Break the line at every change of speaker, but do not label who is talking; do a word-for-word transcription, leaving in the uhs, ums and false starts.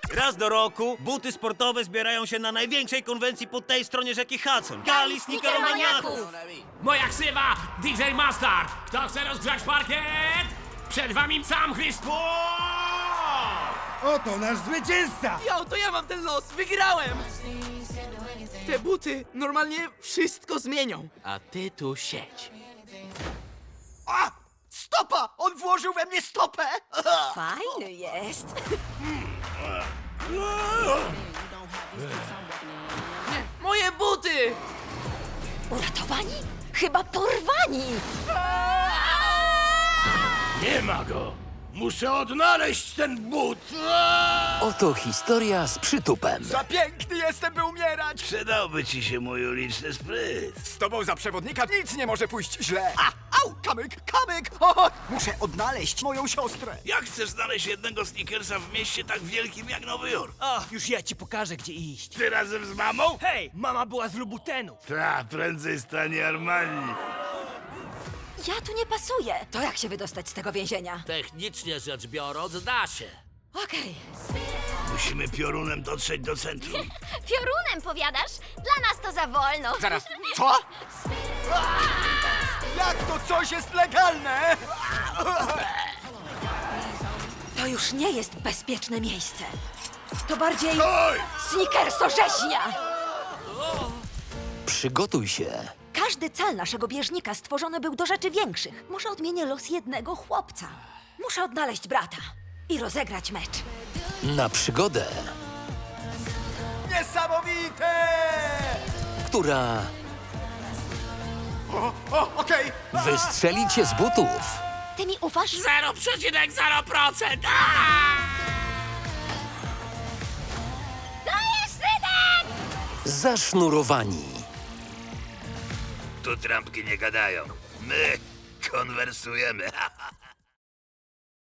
Raz do roku buty sportowe zbierają się na największej konwencji po tej stronie rzeki Hudson. Gali Sneakeromaniaków!
Moja ksywa D J Mustard. Kto chce rozgrzać parkiet? Przed wami sam Chrystus!
Oto nasz zwycięzca!
Jo, to ja mam ten los, wygrałem! Te buty normalnie wszystko zmienią. A ty tu siedź.
A! Stopa! On włożył we mnie stopę!
Fajny jest.
Nie, moje buty!
Uratowani? Chyba porwani.
Nie ma go! Muszę odnaleźć ten but!
Oto historia z przytupem.
Za piękny jestem, by umierać!
Przydałby ci się mój uliczny spryt.
Z tobą za przewodnika nic nie może pójść źle! A! Au! Kamyk! Kamyk! O! Muszę odnaleźć moją siostrę!
Jak chcesz znaleźć jednego sneakersa w mieście tak wielkim jak Nowy Jork?
O, już ja ci pokażę, gdzie iść.
Ty razem z mamą?
Hej, mama była z Lubutenów.
Ta, prędzej stanie Armani.
Ja tu nie pasuję. To jak się wydostać z tego więzienia?
Technicznie rzecz biorąc, da się.
Okej.
Musimy piorunem dotrzeć do centrum.
Piorunem, powiadasz? Dla nas to za wolno.
Zaraz, co? Jak to coś jest legalne?
To już nie jest bezpieczne miejsce. To bardziej
Oj!
sneakersorzeźnia.
Przygotuj się.
Każdy cal naszego bieżnika stworzony był do rzeczy większych. Może odmienię los jednego chłopca. Muszę odnaleźć brata i rozegrać mecz.
Na przygodę,
Niesamowite!
która
O, o, okej!
wystrzeli cię z butów.
Ty mi ufasz?
zero przecinek zero procent!
Dajesz, synek!
Zasznurowani.
Tu trampki nie gadają. My konwersujemy.